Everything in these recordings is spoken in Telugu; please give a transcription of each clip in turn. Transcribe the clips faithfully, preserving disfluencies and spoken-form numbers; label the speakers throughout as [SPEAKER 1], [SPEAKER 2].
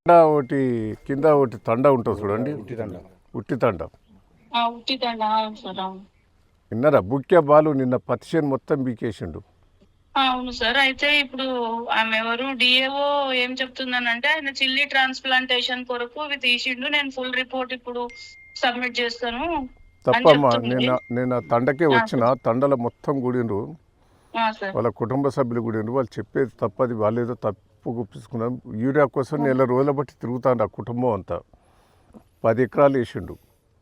[SPEAKER 1] ఒకటి కింద ఒకటి తండ ఉంటుంది చూడండి, ఉట్టి తండ. ఉట్టి తండ
[SPEAKER 2] ఉట్టి తండ సార్. అవును
[SPEAKER 1] విన్నారా? బుక్య బాలు నిన్న పత్తిచేను మొత్తం బీకేసిండు.
[SPEAKER 2] అవును సార్. అయితే ఇప్పుడు ఆమె ఎవరు డిఏఓ ఏం చెప్తుందనంటే ఆయన చిల్లీ ట్రాన్స్ప్లాంటేషన్ కొరకు ఇవి తీసిండు, నేను ఫుల్ రిపోర్ట్ ఇప్పుడు సబ్మిట్ చేస్తాను
[SPEAKER 1] తప్పమ్మా. నేను నేను ఆ తండకే వచ్చిన, తండల మొత్తం గుడిండ్రు,
[SPEAKER 2] సార్.
[SPEAKER 1] వాళ్ళ కుటుంబ సభ్యులు గుడిండ్రు. వాళ్ళు చెప్పేది తప్పది, వాళ్ళు ఏదో తప్పు గుప్పించుకున్నాం. యూరియా కోసం నెల రోజుల బట్టి తిరుగుతాను ఆ కుటుంబం అంతా. పది ఎకరాలు వేసిండు,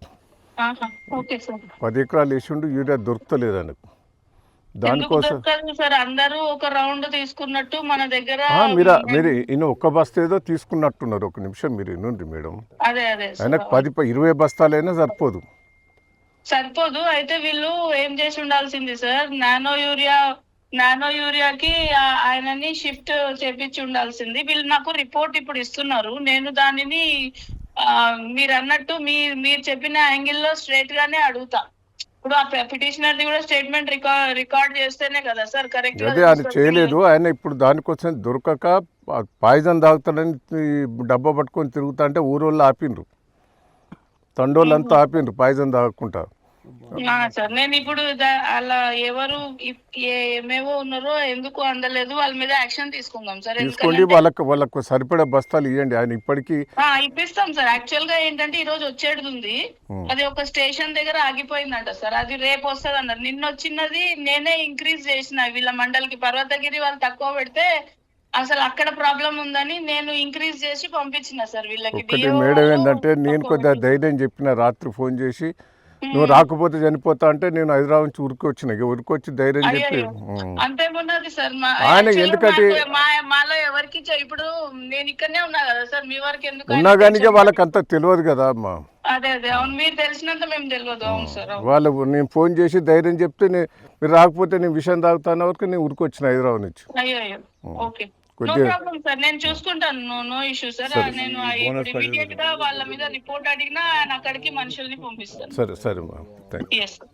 [SPEAKER 1] పది ఎకరాలు వేసిండు, యూరియా దొరుకుతలేదు ఆయనకు. దానికోసం
[SPEAKER 2] సార్ అందరూ ఒక రౌండ్ తీసుకున్నట్టు మన దగ్గర
[SPEAKER 1] మీరు మీరు ఈయన ఒక్క బస్తా ఏదో తీసుకున్నట్టున్నారు. ఒక నిమిషం మీరు ఇనుండి మేడం.
[SPEAKER 2] అదే అదే
[SPEAKER 1] ఆయనకు పది ఇరవై బస్తాలైనా సరిపోదు
[SPEAKER 2] సరిపోదు అయితే వీళ్ళు ఏం చేసి ఉండాల్సింది సార్, నానో యూరియా నానో యూరియాకి ఆయనని షిఫ్ట్ చేపించి ఉండాల్సింది. వీళ్ళు నాకు రిపోర్ట్ ఇప్పుడు ఇస్తున్నారు, నేను దానిని మీరు అన్నట్టు మీ మీరు చెప్పిన యాంగిల్లో స్ట్రైట్ గానే అడుగుతా. ఇప్పుడు ఆ పిటిషనర్ కూడా స్టేట్మెంట్ రికార్డ్ రికార్డ్ చేస్తేనే కదా సార్ కరెక్ట్.
[SPEAKER 1] అదే ఆయన చేయలేదు. ఆయన ఇప్పుడు దానికోసం దొరకక పాయిజన్ తాగుతాడని డబ్బా పట్టుకొని తిరుగుతా అంటే ఊరోళ్ళు ఆపిండ్రు, తండోళ్ళంతా ఆపిండ్రు పాయిజన్ తాగకుండా.
[SPEAKER 2] సార్ నేను ఇప్పుడు అలా ఎవరు ఏమేవో ఉన్నారో ఎందుకు అందలేదు వాళ్ళ మీద యాక్షన్ తీసుకుందాం సార్.
[SPEAKER 1] తీసుకోండి, వాళ్ళకు వాళ్ళకు సరిపడే బస్తాలు ఇవ్వండి. ఆయన ఇప్పటికీ
[SPEAKER 2] ఇప్పిస్తాం సార్. యాక్చువల్ గా ఏంటంటే ఈ రోజు వచ్చేది ఉంది, అది ఒక స్టేషన్ దగ్గర ఆగిపోయిందంట సార్, అది రేపు వస్తుంది అన్నారు. నిన్న వచ్చినది నేనే ఇంక్రీజ్ చేసిన వీళ్ళ మండలికి, పర్వతగిరి వాళ్ళు తక్కువ పెడితే అసలు అక్కడ ప్రాబ్లం ఉందని నేను ఇంక్రీజ్ చేసి పంపించిన సార్ వీళ్ళకి.
[SPEAKER 1] మేడం ఏంటంటే నేను కొద్దిగా ధైర్యం చెప్పిన, రాత్రి ఫోన్ చేసి నువ్వు రాకపోతే చనిపోతా అంటే నేను హైదరాబాద్ నుంచి ఉరికి వచ్చిన, ఉరికి వచ్చి ధైర్యం చెప్పి
[SPEAKER 2] అంతేమున్నది సార్.
[SPEAKER 1] ఆయన ఎందుకంటే
[SPEAKER 2] మాలో ఎవరికి ఇప్పుడు నేను ఇక్కడనే ఉన్నా కదా సార్, మీ వరకు ఎందుకు
[SPEAKER 1] ఉన్నా కానీ వాళ్ళకి అంత తెలియదు కదా అమ్మా.
[SPEAKER 2] అదే అదే అవును, మీరు తెలిసినంత మేము తెలియదు. అవును సార్.
[SPEAKER 1] వాళ్ళు నేను ఫోన్ చేసి ధైర్యం చెప్తే మీరు రాకపోతే నేను విషయం తాగుతాను వరకు నేను ఉరికి వచ్చిన హైదరాబాద్ నుంచి.
[SPEAKER 2] అయ్యో అయ్యో ఓకే నో ప్రాబ్లం సార్, నేను చూసుకుంటాను. No no issue sir. నేను ఇమీడియట్ గా వాళ్ళ మీద రిపోర్ట్ అడిగినా ఆయన అక్కడికి మనుషుల్ని పంపిస్తాను.
[SPEAKER 1] సరే సరే మ్యామ్, థ్యాంక్ యూ.